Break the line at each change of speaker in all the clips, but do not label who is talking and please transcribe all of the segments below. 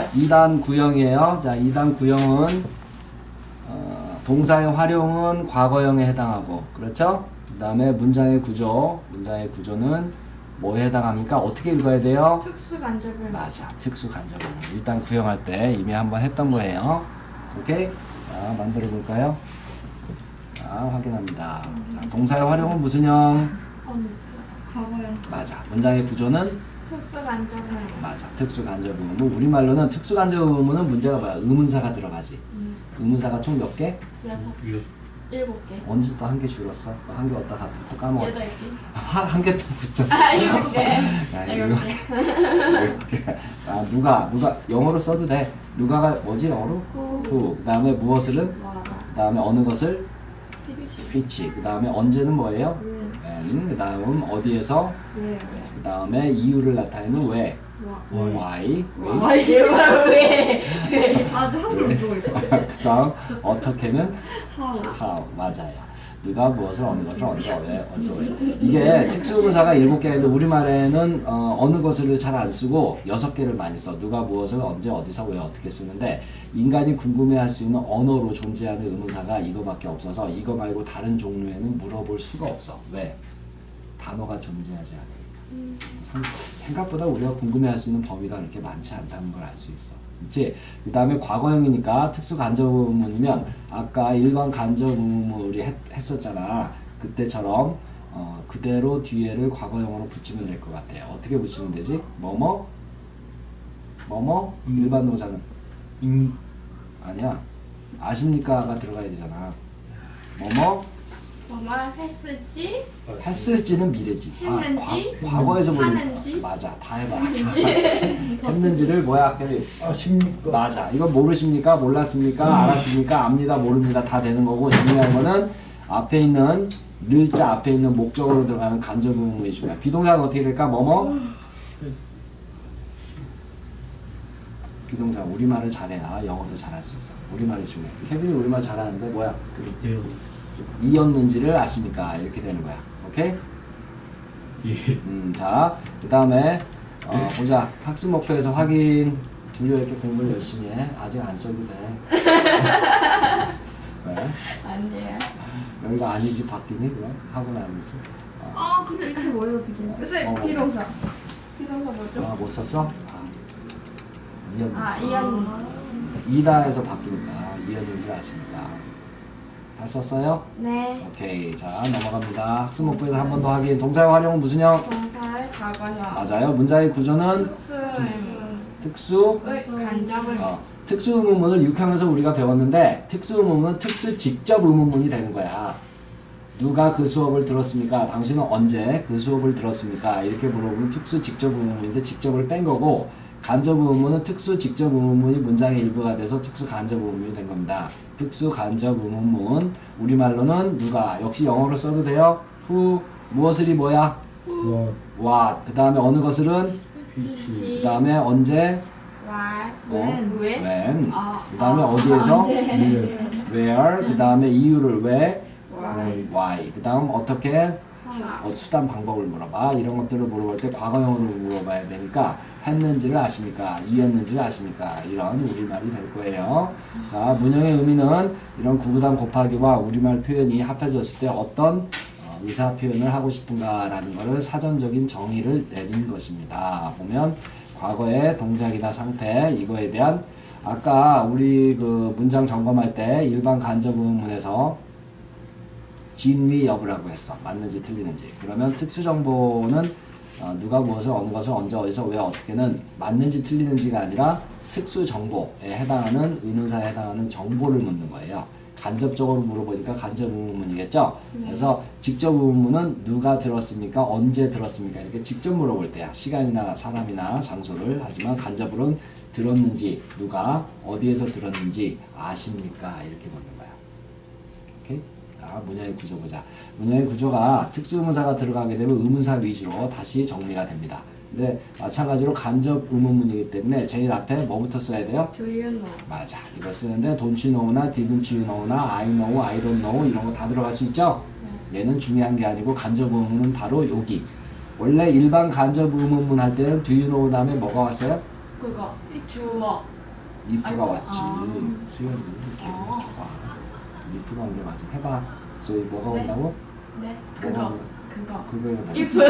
2단 구형이에요. 자, 2단 구형은 동사의 활용은 과거형에 해당하고, 그렇죠? 그 다음에 문장의 구조는 뭐에 해당합니까? 어떻게 읽어야 돼요?
특수간접을.
맞아, 특수간접을. 일단 구형할 때 이미 한번 했던 거예요. 오케이? 자, 만들어 볼까요? 자, 확인합니다. 자, 동사의 활용은 무슨 형?
과거형.
맞아. 문장의 구조는?
특수간접을.
맞아. 특수간접 의문. 우리말로는 특수간접 의문은 문제가 뭐야? 의문사가 들어가지. 의문사가 총 몇 개?
7개.
언제 또 한 개 줄었어? 한 개 어디다 또 까먹었지?
8개.
한 개 또 붙였어.
7개.
야, 7개. 아, 누가 영어로 써도 돼. 누가가 뭐지 영어로? who. 그 다음에 무엇을은? 그 다음에 어느 것을? which. 그 다음에 언제는 뭐예요? when. 그 다음 어디에서? 그 다음에 이유를 나타내는 왜. why.
왜?
아주 한글로 쓰고 있어.
그 다음 어떻게는?
how.
맞아요. 누가 무엇을 어느 것을 언제 왜 어디서 왜. 이게 특수의문사가 7개인데 우리말에는 어느 것을 잘 안 쓰고 6개를 많이 써. 누가 무엇을 언제 어디서 왜 어떻게 쓰는데 인간이 궁금해할 수 있는 언어로 존재하는 의문사가 이거밖에 없어서 이거 말고 다른 종류에는 물어볼 수가 없어. 왜? 단어가 존재하지 않으니까. 생각보다 우리가 궁금해할 수 있는 범위가 그렇게 많지 않다는 걸 알 수 있어. 그치? 그 다음에 과거형이니까 특수 간접 의문이면 아까 일반 간접 의문 우리 했었잖아. 그때처럼 그대로 뒤에를 과거형으로 붙이면 될 것 같아요. 어떻게 붙이면 되지? 뭐뭐? 일반 동사는? 아니야. 아십니까가 들어가야 되잖아. 뭐뭐? 했을지는 미래지.
했는지?
과거에서 보는
하는지?
맞아. 다 해봐. 했는지를 뭐야?
아십니까?
맞아. 이거 모르십니까? 몰랐습니까? 알았습니까? 압니다. 모릅니다. 다 되는 거고 중요한 거는 앞에 있는 늘자 앞에 있는 목적어로 들어가는 간접 의문이 중요해. 비동사는 어떻게 될까? 뭐뭐? 비동사 우리말을 잘해야 영어도 잘할 수 있어. 우리말이 중요해. 케빈이 우리말 잘하는데 뭐야? 이었는지를 아십니까? 이렇게 되는 거야. 오케이? 자, 그 다음에 보자. 학습 목표에서 확인. 둘이 이렇게 공부를 열심히 해. 아직 안 써도 돼. 왜?
아니에요.
여기가 아니지 바뀌니? 그럼? 학원 아니지?
근데 이렇게 뭐예요, 비동사?
글쎄,
비동사.
비동사 뭐죠?
못 썼어? 이었는지.
이었는지.
이다에서 바뀌니까 이었는지 아십니까? 다 썼어요?
네.
오케이. 자, 넘어갑니다. 학습 목표에서 한 번 더 확인. 동사의 활용은 무슨 형?
동사의 과거형.
맞아요. 문장의 구조는 특수
간접을.
특수 의문문을 6항에서 우리가 배웠는데 특수 의문문은 특수 직접 의문문이 되는 거야. 누가 그 수업을 들었습니까? 당신은 언제 그 수업을 들었습니까? 이렇게 물어보면 특수 직접 의문문인데 직접을 뺀 거고 간접 의문문은 특수 직접 의문문이 문장의 일부가 돼서 특수 간접 의문문이 된 겁니다. 특수 간접 의문문 우리말로는 누가 역시 영어로 써도 돼요. who 무엇을이 뭐야? what 그 다음에 어느 것을은 그 다음에 언제 when 그 다음에 어디에서 where 그 다음에 이유를 왜 why 그 다음 어떻게 수단 방법을 물어봐. 이런 것들을 물어볼 때 과거형으로 물어봐야 되니까 했는지를 아십니까? 이었는지를 아십니까? 이런 우리말이 될 거예요. 자, 문형의 의미는 이런 구구단 곱하기와 우리말 표현이 합해졌을 때 어떤 의사 표현을 하고 싶은가라는 것을 사전적인 정의를 내린 것입니다. 보면 과거의 동작이나 상태 이거에 대한 아까 우리 그 문장 점검할 때 일반 간접 의문에서 진위 여부라고 했어. 맞는지 틀리는지. 그러면 특수정보는 누가 무엇을 어느 것을 언제 어디서 왜 어떻게는 맞는지 틀리는지가 아니라 특수정보에 해당하는 의문사에 해당하는 정보를 묻는 거예요. 간접적으로 물어보니까 간접 의문문이겠죠. 그래서 직접 의문문은 누가 들었습니까? 언제 들었습니까? 이렇게 직접 물어볼 때야. 시간이나 사람이나 장소를. 하지만 간접으로는 들었는지 누가 어디에서 들었는지 아십니까? 이렇게 묻는 거야. 오케이? 문형의 구조 보자. 문형의 구조가 특수의문사가 들어가게 되면 의문사 위주로 다시 정리가 됩니다. 근데 마찬가지로 간접 의문문이기 때문에 제일 앞에 뭐부터 써야 돼요?
Do you know?
맞아. 이거 쓰는데 don't you know나 didn't you know나 I know, I don't know 이런 거 다 들어갈 수 있죠? 얘는 중요한 게 아니고 간접 의문은 바로 여기. 원래 일반 간접 의문문 할 때는 do you know 다음에 뭐가 왔어요?
그거 주어.
if가
아이고,
왔지. 수연이 기억이 좋아. if가 온 게 맞아. 해봐. 소위 뭐가
네.
온다고?
네.
뭐가
그거.
그거에 뭐가
if.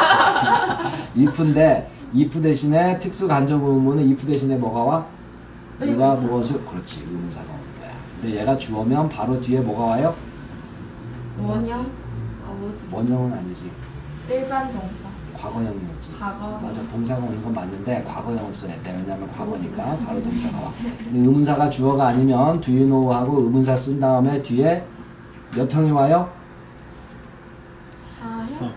if인데 if 대신에 특수 간접 의문은 if 대신에 뭐가 와? 누가
의문사.
무엇을 그렇지 의문사가 오는 거야. 근데 얘가 주어면 바로 뒤에 뭐가 와요?
원형.
뭐지?
원형은 아니지.
일반 동사.
과거형이었지.
과거.
맞아. 동사가 오는 건 맞는데 과거형을 써야 돼. 왜냐면 과거니까 바로 동사가 와. 근데 의문사가 주어가 아니면 do you know 하고 의문사 쓴 다음에 뒤에 몇 형이 와요?
4형? 3?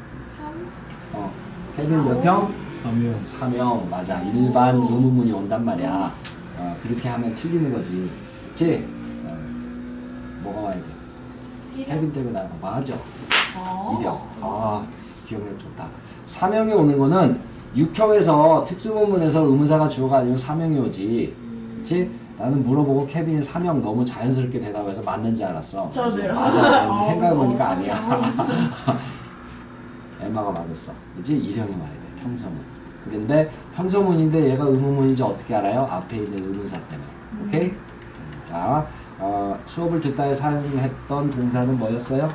케빈 몇 형?
3명
3형. 맞아. 일반 의문문이 온단 말이야. 그렇게 하면 틀리는 거지. 그치? 뭐가 와야 돼? 케빈 때문에 나가. 맞아. 이령. 기억력 좋다. 3형이 오는 거는 6형에서 특수문문에서 의문사가 주어가 아니면 3형이 오지. 그치? 나는 물어보고 케빈이 3형 너무 자연스럽게 대답해서 맞는지 알았어.
저도요.
맞아. 생각해보니까 아니야. 엠마가 맞았어. 그치? 일형이 와야 돼. 평서문. 그런데 평서문인데 얘가 의문문인지 어떻게 알아요? 앞에 있는 의문사 때문에. 오케이? 자, 수업을 듣다에 사용했던 동사는 뭐였어요?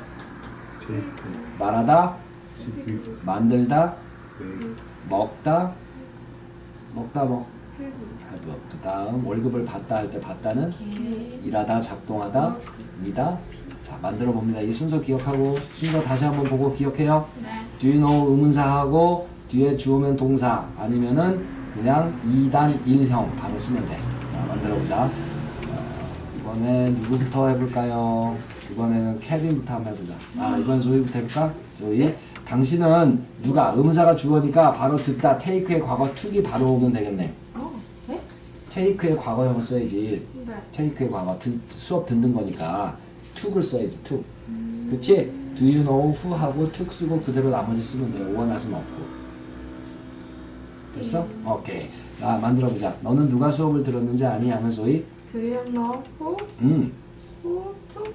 말하다, 만들다, 먹다, 그 다음 월급을 받다 할 때 받다는 일하다, 작동하다, 이다. 자, 만들어 봅니다. 이 순서 기억하고 순서 다시 한번 보고 기억해요.
네.
do you know 의문사하고 뒤에 주어면 동사 아니면은 그냥 2단 1형 바로 쓰면 돼. 자, 만들어 보자. 이번에 누구부터 해볼까요? 이번에는 케빈부터 한번 해보자. 이번 조이부터 해볼까? 조이. 당신은 누가 의문사가 주어니까 바로 듣다 take의 과거 took이 바로 오면 되겠네.
네?
take의 과거형을 써야지.
네.
take의 과거 수업 듣는 거니까 took을 써야지 took. 그치? do you know who 하고 took 쓰고 그대로 나머지 쓰면 돼요. 오원할은 없고. 됐어? 오케이. 자, 만들어보자. 너는 누가 수업을 들었는지 아니? 하면 소위
Do you know who took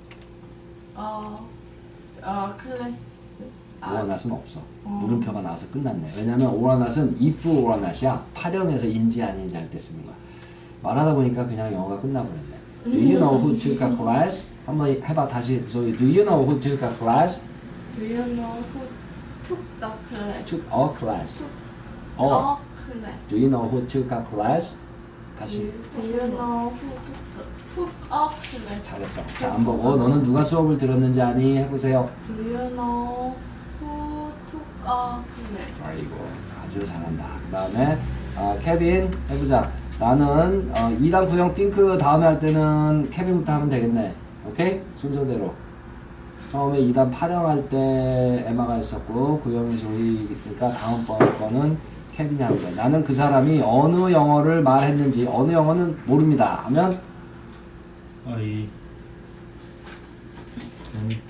class?
오원할은 없어. 물음표가 나와서 끝났네. 왜냐면 오원할은 if 오원할이야. 파령에서 인지 아닌지 할 때 쓰는 거야. 말하다 보니까 그냥 영어가 끝나버렸네. Do you know who took a class? 한번 해봐 다시. 소위 Do you know who took a class?
Do you know who took the class?
Took a class.
A class.
Do you know who took a class? 다시.
Do you know who took a class?
잘했어. 자, 안 보고 너는 누가 수업을 들었는지 아니? 해보세요.
Do you know who took a class?
아이고 아주 잘한다. 그 다음에 케빈 해보자. 나는 2단 구형 think 다음에 할 때는 케빈부터 하면 되겠네. 오케이? 순서대로. 처음에 2단 파령할 때 에마가 있었고 구형이 조이니까 다음번 거는 케빈이 하는 거야. 나는 그 사람이 어느 영어를 말했는지 어느 영어는 모릅니다 하면
I don't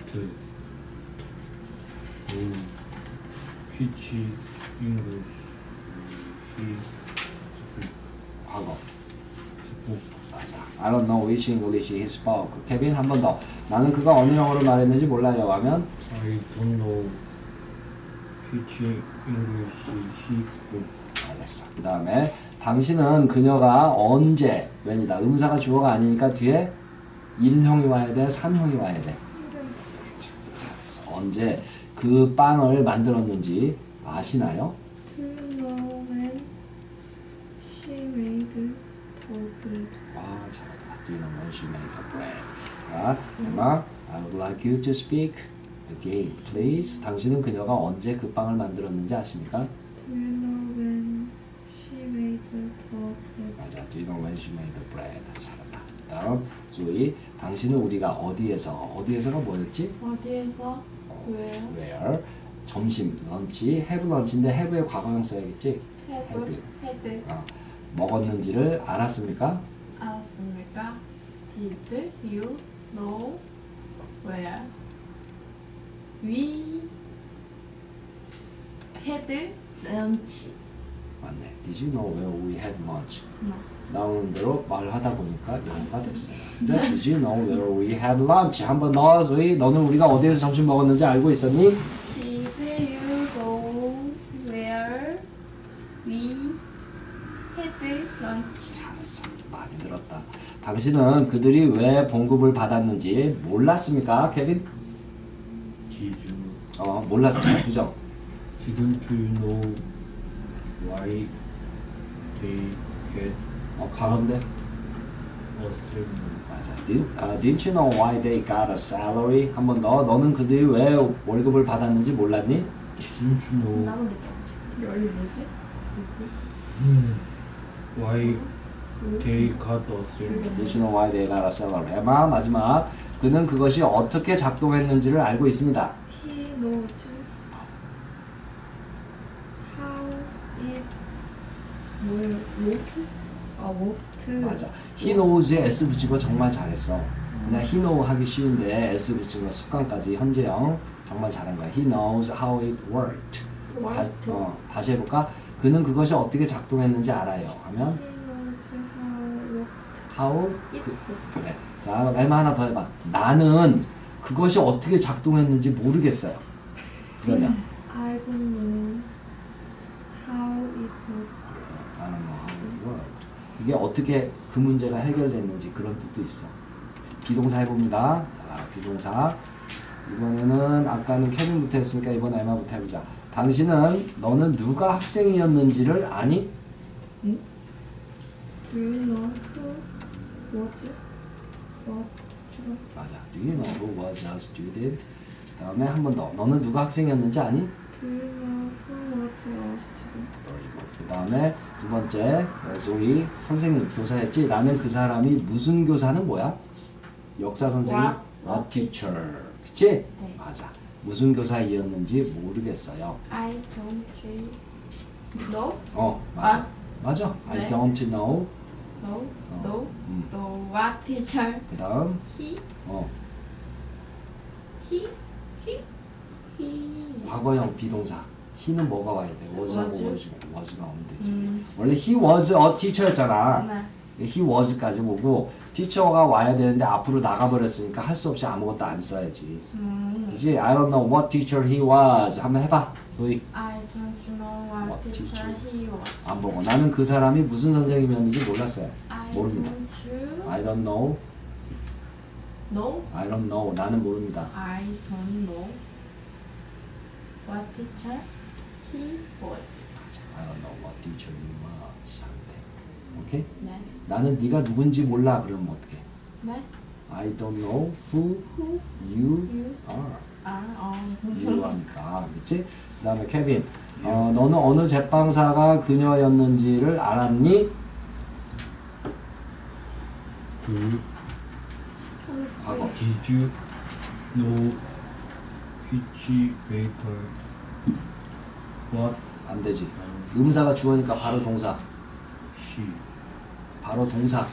teach English. He
과거.
spoke.
맞아. I don't know which English he spoke. 케빈 한 번 더. 나는 그가 어느 영어를 말했는지 몰라요 하면
I don't know which English he spoke.
알겠어. 그 다음에 당신은 그녀가 언제 when이다. 의문사가 주어가 아니니까 뒤에 1형이 와야 돼? 3형이 와야 돼? 잘했어. 언제 그 빵을 만들었는지 아시나요?
Do you know when she made the bread?
와 잘한다. Do you know when she made the bread? 자, emma, I would like you to speak again, please. 당신은 그녀가 언제 그 빵을 만들었는지 아십니까?
Do you know when she made the bread?
맞아. Do you know when she made the bread? 잘한다. 다음 조이. 당신은 우리가 어디에서가 뭐였지?
어디에서? Where?
Where? 점심, 런치, have 런치인데 have의 과거형 써야겠지?
Had.
먹었는지를 알았습니까?
알았습니까? Did you know where we had lunch?
맞네. Did you know where we had lunch?
No.
나오는 대로 말하다 보니까 영어가 됐어요. 이제 Did you know where we had lunch? 한번 더. 소희, 너는 우리가 어디에서 점심 먹었는지 알고 있었니?
Did you know where we had lunch?
잘했어. 많이 늘었다. 당신은 그들이 왜 봉급을 받았는지 몰랐습니까, 케빈?
Did you
몰랐습니다. 그죠?
didn't you know why they get
과거인데.
a salary?
맞아. Didn't you know why they got a salary? 한 번 더. 너는 그들이 왜 월급을 받았는지 몰랐니?
Didn't you know
나도 느꼈지. 열이 뭐지?
why they got a salary?
Didn't you know why they got a salary? 마지막. 그는 그것이 어떻게 작동했는지를 알고 있습니다.
He knows how it 뭐예요? work? worked.
맞아. He knows에 S 붙인 거 정말 잘했어. 그냥 he know 하기 쉬운데 S 붙인 거 습관까지 현재형 정말 잘한 거야. He knows how it worked. 다시 해볼까? 그는 그것이 어떻게 작동했는지 알아요. 하면
He knows how
how
it
그래. 자, 엠마 하나 더 해봐. 나는 그것이 어떻게 작동했는지 모르겠어요. 그러면
I don't know how it worked.
I don't know how it worked. 그게 어떻게 그 문제가 해결됐는지 그런 뜻도 있어. 비동사 해봅니다. 자, 비동사. 이번에는 아까는 케빈부터 했으니까 이번 엠마부터 해보자. 너는 누가 학생이었는지를 아니?
Do you know who was what student?
맞아. Do you know who was a student? 다음에 한 번 더. 너는 누가 학생이었는지 아니?
Do you know who was a student?
그 다음에 두 번째 조이 선생님 교사였지. 나는 그 사람이 무슨 교사는 뭐야? 역사 선생님. What teacher. 그치?
네.
맞아. 무슨 교사이었는지 모르겠어요.
I don't know.
맞아. 맞아. I
네.
don't know.
No what teacher
그 다음
he
과거형 비동사. he는 뭐가 와야 돼? was하고
was.
was가 오면 되지. 원래 he was a teacher였잖아.
네.
he was까지 오고 teacher가 와야 되는데 앞으로 나가버렸으니까 할 수 없이 아무것도 안 써야지. 그지? I don't know what teacher he was. 한번 해봐. 너희
I don't know what
What
teacher
teacher?
he was.
안 보고 나는 그 사람이 무슨 선생님이었는지 몰랐어요.
I
모릅니다.
don't
I don't know.
know.
I don't know. 나는 모릅니다.
I don't know what teacher he was.
I don't know what teacher he was. 하면 돼. 오케이?
네.
나는 네가 누군지 몰라. 그러면 어떻게?
네.
I don't know who
Who
you
you
are.
are.
you 하니까. 그치? 그 다음에 케빈. 너는 어느 제빵사가 그녀였는지를 알았니? 과거.
Did you know which baker what
안 되지. 음사가 주어니까 바로 동사.
she
바로 동사.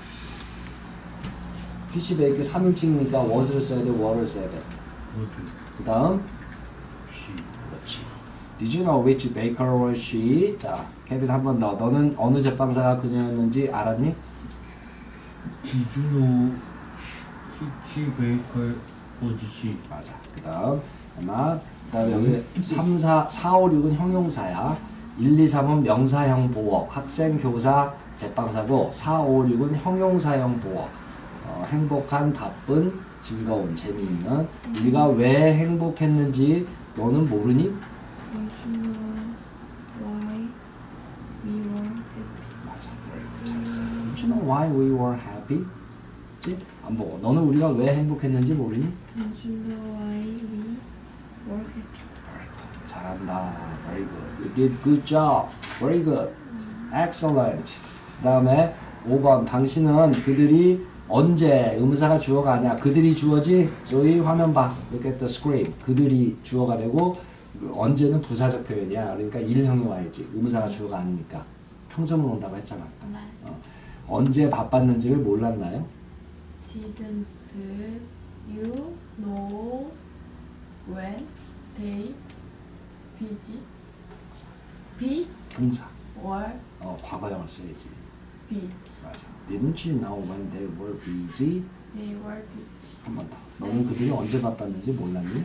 피시베이크 3인칭이니까 was를 써야 돼, were를 써야 돼.
was
그 다음
she
그렇지. Did you know which baker was she? 자, 케빈 한 번 더. 너는 어느 제빵사가 그녀였는지 알았니?
Did you know which baker was she?
맞아. 그 다음 아마 그 다음에 여기 3, 4, 4, 5, 6은 형용사야. 1, 2, 3은 명사형 보어. 학생, 교사, 제빵사고 4, 5, 6은 형용사형 보어. 행복한, 바쁜, 즐거운, 재미있는. 우리가 왜 행복했는지 너는 모르니?
Don't you know why we were happy?
맞아. very good. 잘했어. Don't you know why we were happy? 그치? 안 보고. 너는 우리가 왜 행복했는지 모르니?
Don't you know why we were happy?
Very good. 잘한다. Very good. You did good job. Very good. Excellent. 그 다음에 5번. 당신은 그들이 언제 음사가 주어가 아니야. 그들이 주어지. 저희 화면 봐. Look at the screen. 그들이 주어가 되고 언제는 부사적 표현이야. 그러니까 일형이 와야지. 음사가 주어가 아니니까. 평소문 온다고 했잖아.
네.
언제 바빴는지를 몰랐나요?
Didn't you know when they busy
동사.
or
과거형을 써야지.
busy?
맞아. Didn't you know when they were busy?
They were busy.
한 번 더. 너는 그들이 언제 바빴는지 몰랐니?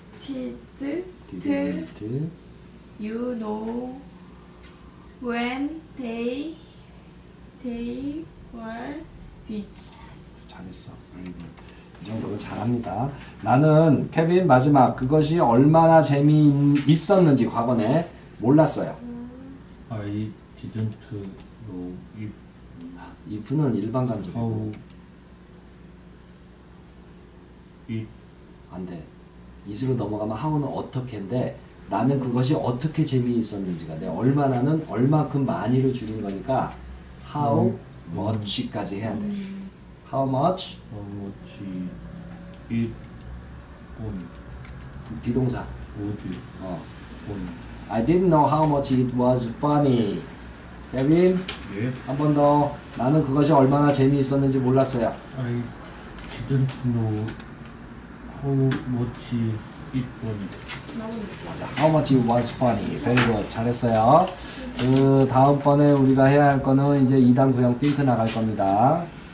Didn't
You know when they
were busy.
잘했어. 이 정도면 잘합니다. 나는 케빈 마지막 그것이 얼마나 재미있었는지 과거에 몰랐어요.
I didn't know if
if는 일반 간접이고
how it
안 돼. it으로 넘어가면 how는 어떻게인데 나는 그것이 어떻게 재미있었는지가 돼. 얼마나는 얼마큼 많이를 줄인 거니까 how much까지 해야 돼. how much
it on
비동사.
would
어.
on
I didn't know how much it was funny. 케빈
예
한 번 더. 나는 그것이 얼마나 재미있었는지 몰랐어요.
I didn't know how much it was
맞아. How much it was funny. Very good. 잘했어요. 그 다음번에 우리가 해야 할 거는 이제 2단 구형 핑크 나갈 겁니다.